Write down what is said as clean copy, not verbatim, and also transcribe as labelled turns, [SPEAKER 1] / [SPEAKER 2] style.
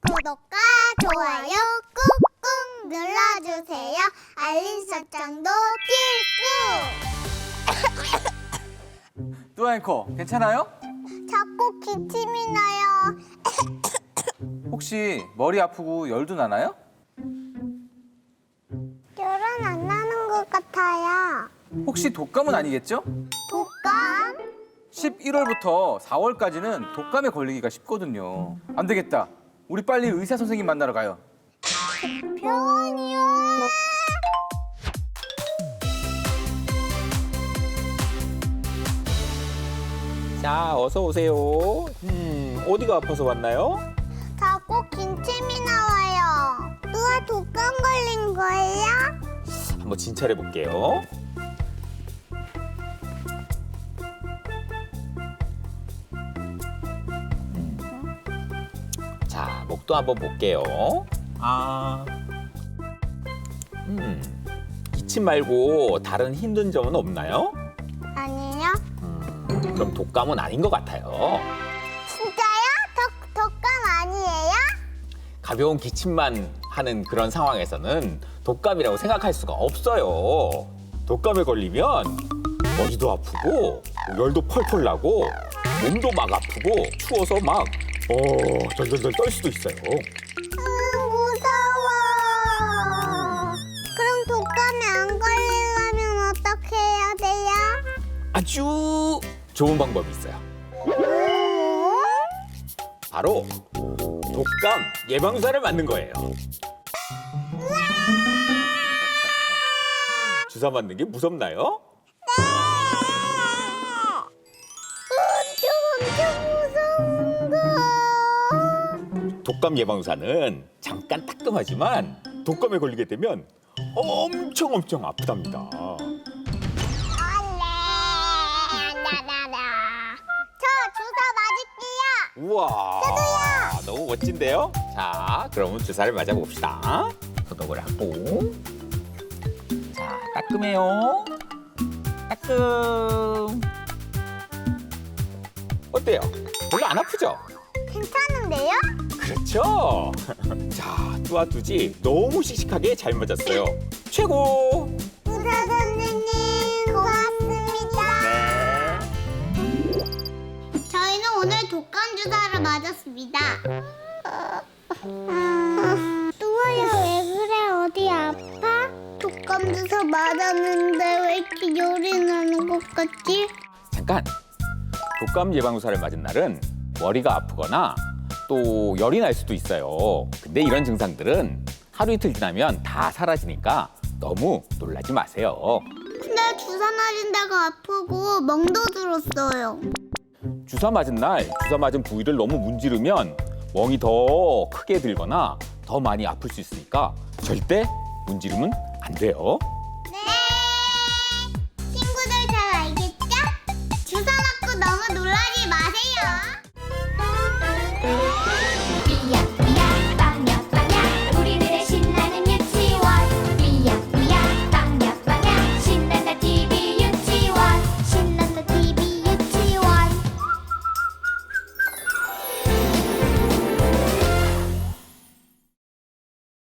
[SPEAKER 1] 구독과 좋아요 꾹꾹 눌러주세요. 알림 설정도 필수.
[SPEAKER 2] 뚜아 앵커, 괜찮아요?
[SPEAKER 1] 자꾸 기침이 나요.
[SPEAKER 2] 혹시 머리 아프고 열도 나나요?
[SPEAKER 1] 열은 안 나는 것 같아요.
[SPEAKER 2] 혹시 독감은 아니겠죠?
[SPEAKER 1] 독감?
[SPEAKER 2] 11월부터 4월까지는 독감에 걸리기가 쉽거든요. 안 되겠다. 우리 빨리 의사 선생님 만나러 가요.
[SPEAKER 1] 병원이요.
[SPEAKER 3] 자, 어서 오세요. 어디가 아파서 왔나요?
[SPEAKER 1] 자꾸 기침이 나와요. 누가 독감 걸린 거예요?
[SPEAKER 3] 한번 진찰해 볼게요. 자, 목도 한번 볼게요. 기침 말고 다른 힘든 점은 없나요?
[SPEAKER 1] 아니요.
[SPEAKER 3] 그럼 독감은 아닌 것 같아요.
[SPEAKER 1] 진짜요? 독감 아니에요?
[SPEAKER 3] 가벼운 기침만 하는 그런 상황에서는 독감이라고 생각할 수가 없어요. 독감에 걸리면 머리도 아프고 열도 펄펄 나고 몸도 막 아프고 추워서 막 덜덜덜 떨 수도 있어요.
[SPEAKER 1] 무서워. 그럼 독감에 안 걸리려면 어떻게 해야 돼요?
[SPEAKER 3] 아주 좋은 방법이 있어요. 바로 독감 예방주사를 맞는 거예요. 주사 맞는 게 무섭나요?
[SPEAKER 1] 엄청 무서운 거.
[SPEAKER 3] 독감 예방주사는 잠깐 따끔하지만 독감에 걸리게 되면 엄청 아프답니다.
[SPEAKER 1] 저 주사 맞을게요.
[SPEAKER 3] 우와, 너무 멋진데요? 자, 그러면 주사를 맞아봅시다. 소독을 하고. 자, 따끔해요. 따끔. 어때요? 별로 안 아프죠?
[SPEAKER 1] 괜찮은데요?
[SPEAKER 3] 그렇죠? 자, 뚜아뚜지 너무 씩씩하게 잘 맞았어요. 최고!
[SPEAKER 1] 의사 선생님 고맙습니다.
[SPEAKER 3] 네.
[SPEAKER 1] 저희는 오늘 독감 주사를 맞았습니다. 뚜아야 왜 그래? 어디 아파? 독감 주사 맞았는데 왜 이렇게 열이 나는 것 같지?
[SPEAKER 3] 잠깐! 독감 예방주사를 맞은 날은 머리가 아프거나 또 열이 날 수도 있어요. 근데 이런 증상들은 하루 이틀 지나면 다 사라지니까 너무 놀라지 마세요.
[SPEAKER 1] 근데 주사 맞은 데가 아프고 멍도 들었어요.
[SPEAKER 3] 주사 맞은 날 주사 맞은 부위를 너무 문지르면 멍이 더 크게 들거나 더 많이 아플 수 있으니까 절대 문지르면 안 돼요.